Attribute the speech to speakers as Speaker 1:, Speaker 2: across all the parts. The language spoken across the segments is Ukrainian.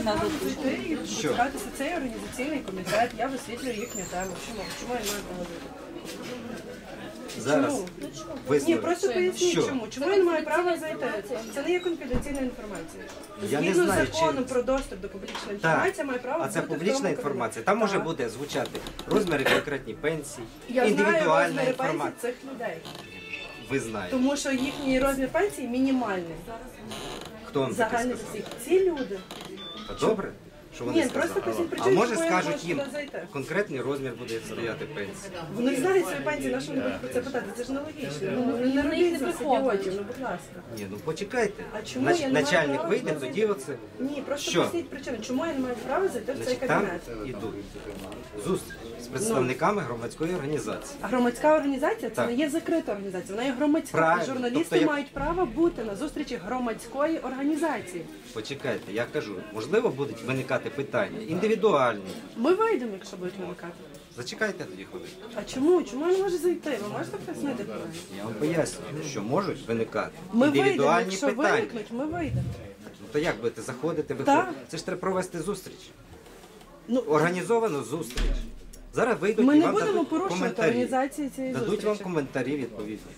Speaker 1: прийти і почекатися цей організаційний комітет, я висвітлюю їхню тему. Чому я не маю права зайти?
Speaker 2: Зараз
Speaker 1: Ні, просто поясніть чому. Чому я не маю права зайти? Це не є конфіденційна інформація. Згідно з законом про доступ до публічної інформації, має право
Speaker 2: а
Speaker 1: бути
Speaker 2: це
Speaker 1: в тому
Speaker 2: публічна
Speaker 1: кабінеті.
Speaker 2: інформація. Там може буде звучати розміри конкретні пенсії,
Speaker 1: Я знаю
Speaker 2: індивідуальна
Speaker 1: розміри пенсій
Speaker 2: інформація.
Speaker 1: цих людей.
Speaker 2: Ви знаєте.
Speaker 1: Тому що їхній розмір пенсії мінімальний.
Speaker 2: Хто вам таке
Speaker 1: Загальний
Speaker 2: сказав?
Speaker 1: за всіх. Ці люди.
Speaker 2: Та добре, що вони
Speaker 1: Ні, просто
Speaker 2: сказали.
Speaker 1: поясніть
Speaker 2: А
Speaker 1: причину,
Speaker 2: може
Speaker 1: чому я не
Speaker 2: скажуть
Speaker 1: можу
Speaker 2: їм,
Speaker 1: туди зайти.
Speaker 2: конкретний розмір буде стояти пенсії.
Speaker 1: Вони знають свої пенсії, на що вони будуть про це питати? Це ж нелогічно. Не робіть з нас ідіотів, ну будь ласка.
Speaker 2: Ні, ну почекайте.
Speaker 1: А чому я не маю
Speaker 2: Начальник
Speaker 1: права
Speaker 2: вийде,
Speaker 1: туди
Speaker 2: тоді оце.
Speaker 1: Ні, просто
Speaker 2: Що?
Speaker 1: поясніть причину. Чому я не маю права зайти в цей
Speaker 2: Значить, там
Speaker 1: кабінет?
Speaker 2: ідуть зустріч з представниками громадської організації.
Speaker 1: А громадська організація це
Speaker 2: Так.
Speaker 1: не є закрита організація, вона є громадська.
Speaker 2: Правильно.
Speaker 1: І журналісти
Speaker 2: Тобто,
Speaker 1: мають право бути на зустрічі громадської організації.
Speaker 2: Почекайте, я кажу, можливо, будуть виникати питання індивідуальні.
Speaker 1: Ми вийдемо, якщо будуть виникати.
Speaker 2: Зачекайте тоді хвилину.
Speaker 1: А чому? Чому я не можу зайти? Ви можете пояснити про мене?
Speaker 2: Я вам пояснюю, що можуть виникати
Speaker 1: Ми вийдемо,
Speaker 2: індивідуальні
Speaker 1: якщо
Speaker 2: питання.
Speaker 1: виникнуть, ми вийдемо.
Speaker 2: Ну, то як будете заходити,
Speaker 1: Так.
Speaker 2: виходити? Це ж треба провести зустріч.
Speaker 1: Ну,
Speaker 2: Організовану зустріч. Зараз вийдуть
Speaker 1: ми
Speaker 2: і
Speaker 1: не
Speaker 2: вам
Speaker 1: будемо
Speaker 2: дадуть
Speaker 1: порушувати
Speaker 2: коментарі.
Speaker 1: організації цієї
Speaker 2: Дадуть
Speaker 1: зустрічі.
Speaker 2: вам коментарі відповідні.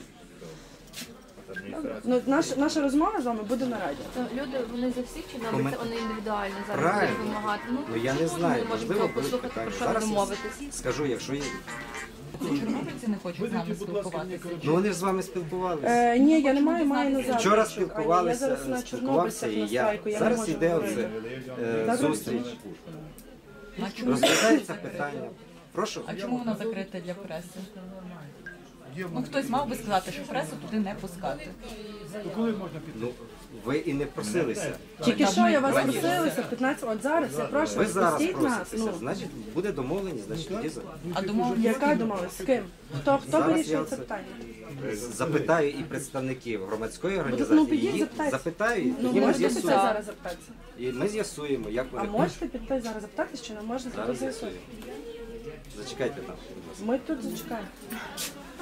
Speaker 1: Ну, наша розмова з вами буде на радіо.
Speaker 3: То люди, вони за всіх чи
Speaker 2: Комент-
Speaker 3: навіть вони індивідуально зараз
Speaker 2: Правильно.
Speaker 3: будуть вимагати?
Speaker 2: Ну я не знаю,
Speaker 3: Ми можемо
Speaker 2: можливо,
Speaker 3: цього
Speaker 2: будуть
Speaker 3: послухати,
Speaker 2: питання.
Speaker 3: про що
Speaker 2: Зараз
Speaker 3: не
Speaker 2: я
Speaker 3: домовитись.
Speaker 2: скажу, якщо є.
Speaker 4: Чорнобильці не хочуть з нами спілкуватися.
Speaker 2: Ну вони ж з вами спілкувалися.
Speaker 1: Ні, я не маю на завтра.
Speaker 2: Вчора
Speaker 1: Я
Speaker 2: спілкувалися,
Speaker 1: зараз на
Speaker 2: спілкувався
Speaker 1: Чорнобильцях
Speaker 2: і
Speaker 1: на
Speaker 2: я.
Speaker 1: страйку, я не
Speaker 2: Зараз
Speaker 1: можу
Speaker 2: йде
Speaker 1: говорити.
Speaker 2: оце зустріч.
Speaker 4: А чому
Speaker 2: Розглядається питання. Прошу.
Speaker 4: А чому вона закрита для преси? Ну хтось мав би сказати, що пресу туди не пускати.
Speaker 2: Ну, ви і не просилися.
Speaker 1: Тільки що я вас
Speaker 2: Раніше.
Speaker 1: просилася в 15, от зараз я прошу,
Speaker 2: Ви зараз
Speaker 1: пустіть нас.
Speaker 2: проситеся,
Speaker 1: Ну,
Speaker 2: значить буде домовленість, значить тоді
Speaker 4: А домовленість
Speaker 1: яка думалась? З ким? Хто
Speaker 2: Зараз
Speaker 1: вирішує
Speaker 2: я
Speaker 1: це
Speaker 2: це-
Speaker 1: питання?
Speaker 2: запитаю і представників громадської
Speaker 1: Ну,
Speaker 2: організації.
Speaker 1: підіть,
Speaker 2: Їх
Speaker 1: запитайте.
Speaker 2: запитаю, і
Speaker 1: Ну,
Speaker 2: тоді ми
Speaker 1: можете піти
Speaker 2: з'ясуємо.
Speaker 1: зараз запитатися?
Speaker 2: І ми з'ясуємо, як
Speaker 1: А
Speaker 2: вони
Speaker 1: можете піти зараз запитатися, чи не можна
Speaker 2: зараз
Speaker 1: зараз
Speaker 2: з'ясуємо.
Speaker 1: з'ясувати?
Speaker 2: Зачекайте там. будь ласка.
Speaker 1: Ми тут зачекаємо.